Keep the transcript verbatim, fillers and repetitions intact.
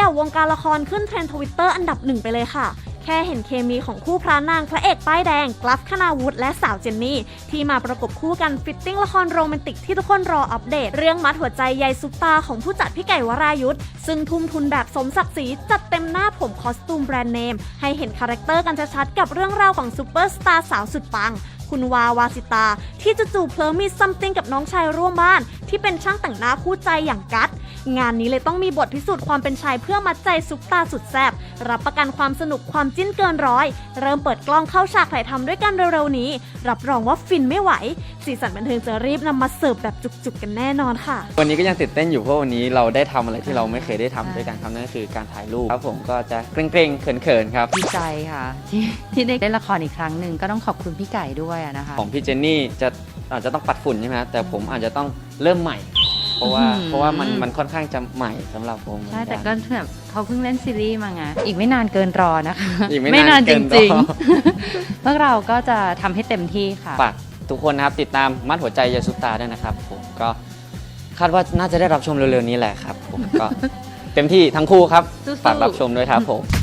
กับวงการละครขึ้นเทรนด์ทวิตเตอร์อันดับหนึ่งไปเลยค่ะแค่เห็นเคมีของคู่พระนางพระเอกป้ายแดงกลัฟคณาวุฒิและสาวเจนนี่ที่มาประกบคู่กันฟิตติ้งละครโรแมนติกที่ทุกคนรออัปเดตเรื่องมัดหัวใจยายซุปตาของผู้จัดพี่ไก่วรายุทธซึ่งทุ่มทุนแบบสมศักดิ์ศรีจัดเต็มหน้าผมคอสตูมแบรนด์เนมให้เห็นคาแรคเตอร์กันชัดๆกับเรื่องราวของซูเปอร์สตาร์สาวสุดปังคุณวาวาสิตาที่จู่ๆเพลิมีซัมติงกับน้องชายร่วมบ้านที่เป็นช่างแต่งหน้าคู่ใจอย่างกัตงานนี้เลยต้องมีบทพิสูจน์ความเป็นชายเพื่อมัดใจซุปตาสุดแซ่บรับประกันความสนุกความจิ้นเกินร้อยเริ่มเปิดกล้องเข้าฉากถ่ายทำด้วยกันเร็วๆนี้รับรองว่าฟินไม่ไหวสีสันบันเทิงจะรีบนำมาเสิร์ฟแบบจุกๆกันแน่นอนค่ะวันนี้ก็ยังตื่นเต้นอยู่เพราะวันนี้เราได้ทำอะไรที่เราไม่เคยได้ทำด้วยกันครับนั่นก็คือการถ่ายรูปครับผมก็จะเกรงๆเขินๆครับดีใจค่ะที่ที่ได้เล่นละครอีกครั้งหนึ่งก็ต้องขอบคุณพี่ไก่ด้วยนะคะของพี่เจนนี่จะอาจจะต้องปัดฝุ่นใช่ไหมแต่ผมอาจจะต้องเริ่มใหม่เพราะว่าเพราะว่ามันมันค่อนข้างจะใหม่สำหรับผมใช่แต่ก็แบบเขาเพิ่งเล่นซีรีส์มาไงอีกไม่นานเกินรอนะคะอีกไม่นานจริงๆพวกเราก็จะทำให้เต็มที่ค่ะฝากทุกคนนะครับติดตามมัดหัวใจยายซุปตาด้วยนะครับผมก็คาดว่าน่าจะได้รับชมเร็วๆนี้แหละครับผมก็เต็มที่ทั้งคู่ครับฝากรับชมด้วยครับผม